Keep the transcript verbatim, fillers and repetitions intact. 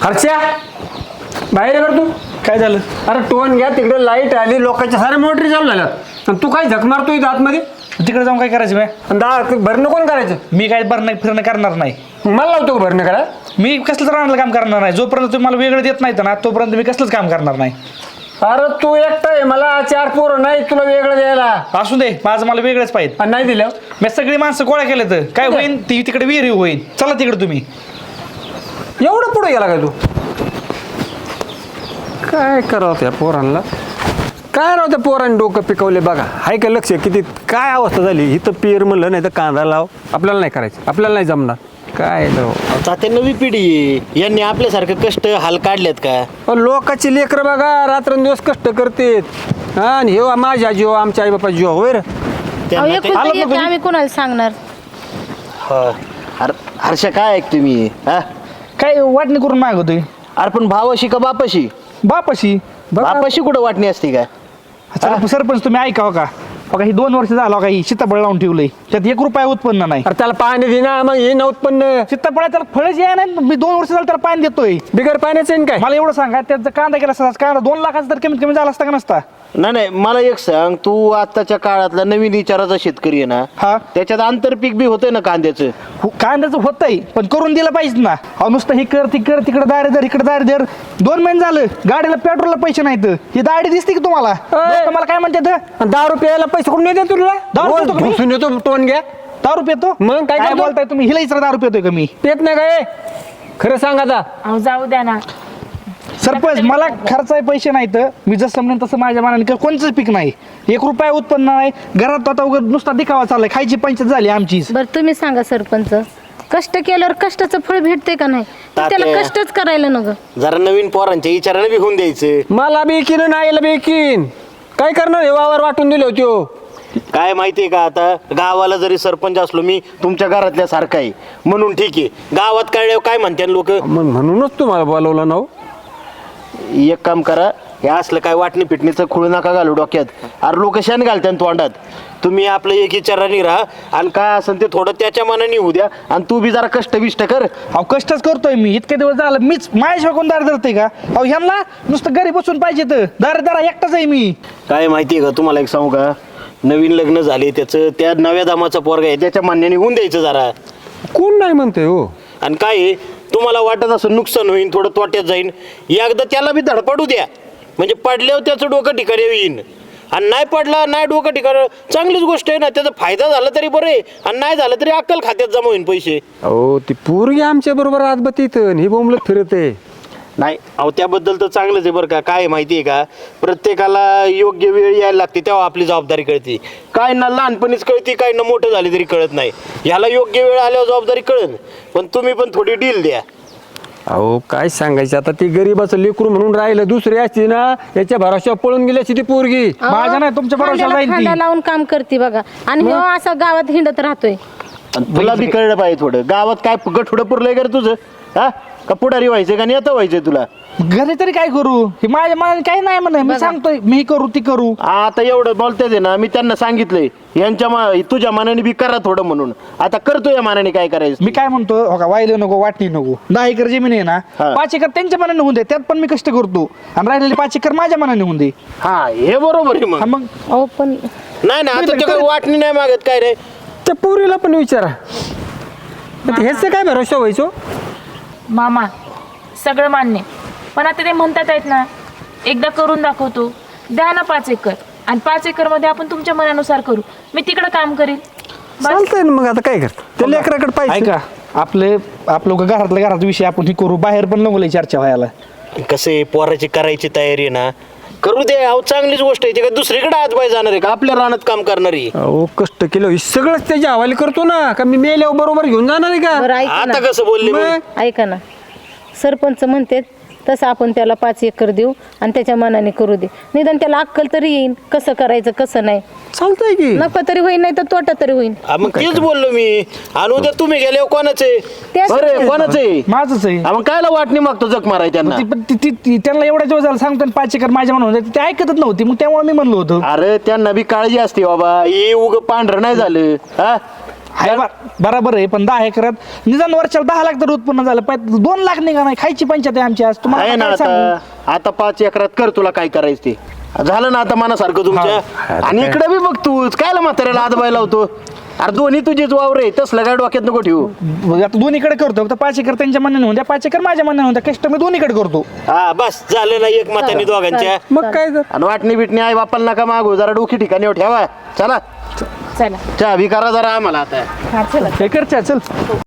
हर्षा बाहेर ये बरं तू. काय झालं? अरे टोन घ्या तिकडे लाईट आली लोकांच्या साऱ्या मोटरी चालू झाल्यात आणि तू काय झक मारतोय आतमध्ये तिकडे जाऊन काय करायचं मी? आणि दहा भरणं कोण करायचं? मी काय भरणं फिरणं करणार नाही. मला लावतो का भरणं करा? मी कसलंच राहणार काम करणार नाही. जोपर्यंत तुम्ही मला वेगळं देत नाही ना तोपर्यंत मी कसलंच काम करणार नाही. अरे तू एकटा आहे मला चार पोरं नाही तुला वेगळं द्यायला. असू दे, माझं मला वेगळंच पाहिजे. आणि नाही दिलं मी सगळी माणसं गोळा केले तर काय होईल? ती तिकडे विहिरी होईल. चला तिकडे तुम्ही. एवढं पुढे गेला का तू? काय करावं त्या पोरांना? काय राव त्या पोरांनी डोकं पिकवले बघा. हाय का लक्ष किती काय अवस्था झाली? इथं पेर म्हणलं नाही तर कांदा लाव. आपल्याला नाही करायचं, आपल्याला नाही जमणार. काय राव आता नवी पिढी आहे. यांनी आपल्यासारखं कष्ट हाल काढलेत का? अहो, लोकांची लेकरं बघा रात्रंदिवस कष्ट करतेत हा आणि हे माझ्या जीव आमच्या आई बापा जीव होय रे. त्यांना ते- एकुलती आलं एक बघ. आम्ही कोणाला सांगणार? हा. अरे हर्षा काय ऐक तुम्ही हा? काय वाटणी करून मागवतोय? अरे पण भावाशी का बापाशी? बापाशी. बापाशी कुठं वाटणी असते का? चला सरपंच तुम्ही ऐकावं का? बघा ही दोन वर्ष झालं का ही सीताफळ लावून ठेवलंय, त्यात एक रुपया उत्पन्न नाही. अरे त्याला पाणी दे ना मग हे ना उत्पन्न. सीताफळ त्याला फळच याय नाही. मी दोन वर्ष झालं त्याला पाणी देतोय. बिगर पाण्याचं आहे ना काय? मला एवढं सांगा त्याचा कांदा केला असता, कांदा दोन लाखाचा तर कमीत कमी झाला असता का नसता? नाही नाही मला एक सांग, तू आताच्या काळातला नवीन विचाराचा शेतकरी आहे ना, हा. त्याच्यात आंतरपीक बी होतंय ना कांद्याचं. हो, कांद्याचं होतंय पण करून दिलं पाहिजे ना. अहो नुसतं ही कर ती कर, तिकडे दारे दर इकडे दारे दर. दोन महिने झालं गाडीला पेट्रोलला पैसे नाहीत. ही दाडी दिसते की तुम्हाला? लोकं मला काय म्हणतात? आणि दहा रुपयाला पैसे कुठून येते तुला? दारू पितो का मी? घुसून येतो टोन घ्या. दारू पितो? मग काय काय करतो? बोलताय तुम्ही? हिला इचरा दारू पितोय का मी? पेत नाही काय? खरं सांग आता. अहो जाऊ द्या ना. सरपंच मला खर्चाय पैसे नाहीत. मी जसं म्हणेन तसं माझ्या मनाने कर- कोणचंच पीक नाही. एक रुपया उत्पन्न नाही घरात. आता उगाच नुसता दिखावा चाललाय. खायची पंचायत झाली आमचीच. बरं तुम्ही सांगा सरपंच, कष्ट केल्यावर कष्टाचं फळ भेटते का नाही? तर त्याला तात्या. कष्टच करायला नको. जरा नवीन पोरांच्या विचाराने बी होऊन द्यायचं. मला बेकीन नाही बेकीन काय करणार? हे वावर वाटून दिले होते. काय माहितीये का, आता गावाला जरी सरपंच असलो मी तुमच्या घरातल्या सारखा आहे म्हणून ठीक आहे. गावात कळल्यावर काय म्हणते लोक? म्हणूनच तुम्हाला बोलवलं ना. एक काम करा, हे असलं काय वाटणी पिटणीचं खुळ नका घालू डोक्यात. अरे लोक शेण घालत्यान तोंडात. तुम्ही आपलं एक विचाराने राहा आणि काय असेल ते थोडं त्याच्या मनाने होऊ द्या आणि तू बी जरा कष्ट बिष्ट कर. अहो कष्टच करतोय मी. इतके दिवस झालं मीच माझ्या कोण दार धरतोय का? अहो ह्यांना नुसतं घरी बसून पाहिजे तर दार दारा एकटाच आहे मी. काय माहितीये का तुम्हाला, एक सांगू का, नवीन लग्न झाले त्याचं त्या नव्या दामाचा पोरगा आहे त्याच्या मान्याने होऊन द्यायचं जरा. कोण नाही म्हणते हो? आणि काय आहे, तुम्हाला वाटत असं नुकसान होईल थोडं तोट्यात जाईन, एकदा त्याला बी धडपडू द्या. म्हणजे पडल्यावर त्याचं डोकं ठिकाणी येईन. आणि नाही पडला नाही डोकं ठिकाण चांगलीच गोष्ट आहे ना. त्याचा फायदा झाला तरी बरं आहे आणि नाही झालं तरी अक्कल खात्यात जमा होईन पैसे. अहो ती पोरगी आमच्या बरोबर आजबतीत ही बोंबलत फिरते. नाही अहो त्याबद्दल तर चांगलंच आहे बरं का. काय माहिती आहे का, प्रत्येकाला योग्य वेळ यायला लागते तेव्हा आपली जबाबदारी कळते. काय ना लहानपणीच कळते, काय ना मोठं झाले तरी कळत नाही. ह्याला योग्य वेळ आल्यावर जबाबदारी कळेल. पण तुम्ही पण थोडी डील द्या. अहो काय सांगायचं आता, ती गरीबाचं लेकरू म्हणून राहिलं. दुसरी असती ना याच्या भरोश्यावर पळून गेली असती ती पोरगी. अहो, माझ्या नाही, तुमच्या भरोश्यावर खांद्याला जाईल ती. खांदा लावून काम करते बघा. आणि ह्यो असा गावात हिंडत राहतोय. आणि तुला बी कळलं पाहिजे थोडं. गावात काय गठुडं पुरलंय का रे तुझं? हा का पुढारी व्हायचं का नेता व्हायचंय तुला? घरी तरी काय करू? हे माझ्या मनाने काही नाही म्हणत. मी सांगतोय मी करू ती करू. आता एवढं बोलते ना, मी त्यांना सांगितलंय यांच्या मा- तुझ्या मनाने बी करा थोडं म्हणून. आता करतो या मनाने काय करायचं. मी काय म्हणतो हो का, वाहिलं नको वाटणी नको. दहा एकर जमीन आहे ना, हा. पाच एकर त्यांच्या मनाने होऊन दे. त्यात पण मी कष्ट करतो आणि राहिलेले पाच एकर माझ्या मनाने होऊन दे. हा हे बरोबर आहे हा मग. मग अहो पण नाही ना आता ते वाटणी नाही मागत काय रे. त्या पोरीला पण विचारा. ह्याच काय भरोसा व्हायचो? मामा सगळं मान्य, पण आता ते म्हणतात आहेत ना, एकदा करून दाखवतो, द्या ना पाच एकर आणि पाच एकर मध्ये आपण तुमच्या मनानुसार करू. मी तिकडं काम करीन. चालतंय ना मग. आता काय करत त्या लेकराकडे पाहिजे. ऐका आपले आपलं घरातल्या घरात विषय आपण हे करू. बाहेर पण नको लय चर्चा व्हायला. कसं आहे, पोराची करायची तयारी आहे ना, करू दे. अहो चांगलीच गोष्ट आहे. ते काय दुसरीकडे आज पाय जाणार आहे का? आपल्या रानात काम करणारी. अहो कष्ट केलं हे सगळंच त्याच्या हवाली करतो ना. का मी मेल्यावर बरोबर घेऊन जाणार आहे बरं का? ऐका आता ना, कसं बोलले मग? मग? ऐका ना. सरपंच म्हणते तसं आपण त्याला पाच एकर देऊ आणि त्याच्या मनाने करू दे. निदान त्याला अक्कल तरी येईन कसं करायचं कसं नाही. चालतंय की. नफा तरी होईन नाही तर तोटा तरी होईन. हा, मग तेच बोललो मी. आणि उद्या तुम्ही गेले कोणाचे? तेच बरं कोणाचे? माझंच आहे. हा, मग कायला वाटणी मागतो जग माराय त्यांना? ती- पण ती- ती- ती- त्यांना एवढा दिवस झाला सांगतो आणि पाच एकर माझ्या म्हणून ते ऐकतच नव्हती. मग त्यामुळे मी म्हणलो होतो अरे त्यांना बी काळजी असते बाबा. हे उग पांढरं नाही झालं. हा हाय बा- बराबर आहे, पण दहा एकरात निदान वर्षाला दहा लाख तर उत्पन्न झालं पाहिजे. दोन लाख निघा नाही, खायची पंचायत आहे आमची आज. आहे तुम्हाला ना काय सांगू? आता आता पाच एकरात कर तुला काय करायचं ते. झालं ना आता मनासारखं तुमच्या. आणि इकडे बी बघ तूच कायला म्हाताऱ्याला आदबायला होतो. अरे दोन्ही तुझीच वावर आहे, तसलं काय डोक्यात नको ठेवू. मग आता दोन्हीकडे करतो. फक्त पाच एकर त्यांच्या मनाने होऊन द्या, पाच एकर माझ्या मनाने होऊन द्या. कष्ट मी दोन्हीकडे करतो. हा बस झालं ना एक मतानी दोघांच्या. मग काय तर आणि वाटणी बिटणी आई बापाला नका मागू, जरा डोकी ठिकाणी ठेवा. चला चला चहा बी करा जरा आम्हाला आता. हा चला काय करते चल.